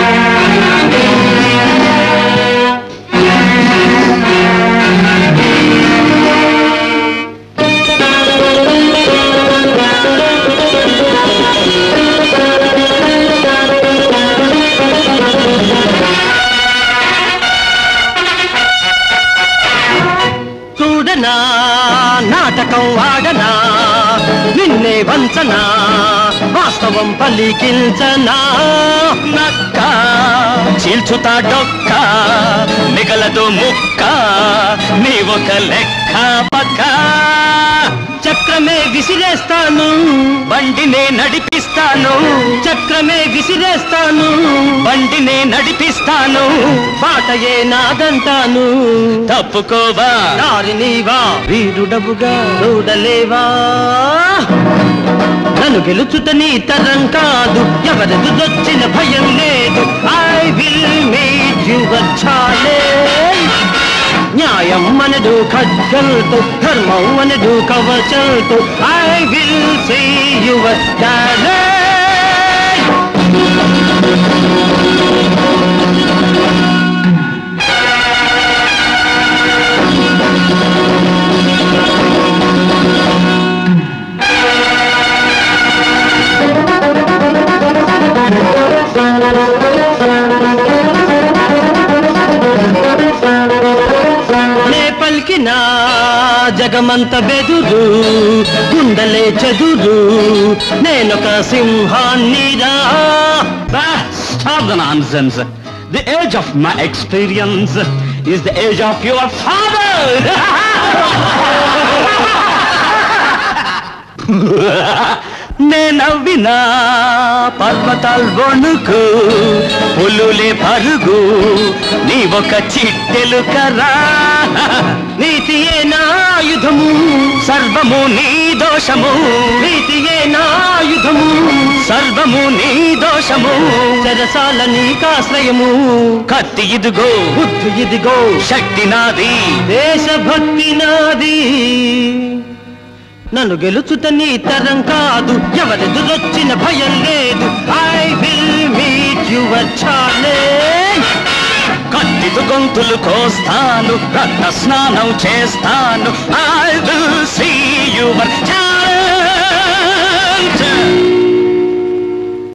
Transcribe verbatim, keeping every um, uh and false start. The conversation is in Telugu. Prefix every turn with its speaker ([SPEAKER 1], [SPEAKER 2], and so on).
[SPEAKER 1] నాటకం ఆడనా నిన్నే వంచనా వాస్తవం పలికించనా నక్క చీల్చుతా డొక్క మిగలదు ముక్క నీ ఒక లెక్క పక్క చక్రమే విసిరేస్తాను బండినే నడిపిస్తాను చక్రమే విసిరేస్తాను బండినే నడిపిస్తాను పాటయే నాదంటాను తప్పుకోవా దారి నీవా వీరుడవుగా చూడలేవా నన్ను గెలుచుట నీ తరం కాదు ఎవరెదురొచ్చిన భయం లేదు I will make you a challenge న్యాయం మనడు ఖడ్గంతో ధర్మం మనడు కవచంతో I will see you a challenge పలికినా జగమంత బెదురు గుండెలే చెదురు నేనొక సింహాన్నిరా
[SPEAKER 2] Stop the nonsense. The age of my experience is the age of your father. నేనవ్వినా పర్వతాల్ వణుకు పులులే పరుగు నీ ఒక చిట్టెలు కరా
[SPEAKER 1] నీతియే నాయుధము
[SPEAKER 2] సర్వము నీ దోషము
[SPEAKER 1] నీతియే నాయుధము
[SPEAKER 2] సర్వము నీ దోషము
[SPEAKER 1] చెరసాల నీకాశ్రయము
[SPEAKER 2] కత్తి ఇదిగో
[SPEAKER 1] బుద్ధి ఇదిగో
[SPEAKER 2] శక్తి నాది
[SPEAKER 1] దేశభక్తి నాది నన్ను గెలుచుట నీ తరం కాదు ఎవరెదురొచ్చిన భయం లేదు I will meet you a challenge
[SPEAKER 2] కత్తితో గొంతులు కోస్తాను రక్త స్నానం చేస్తాను I will see you a challenge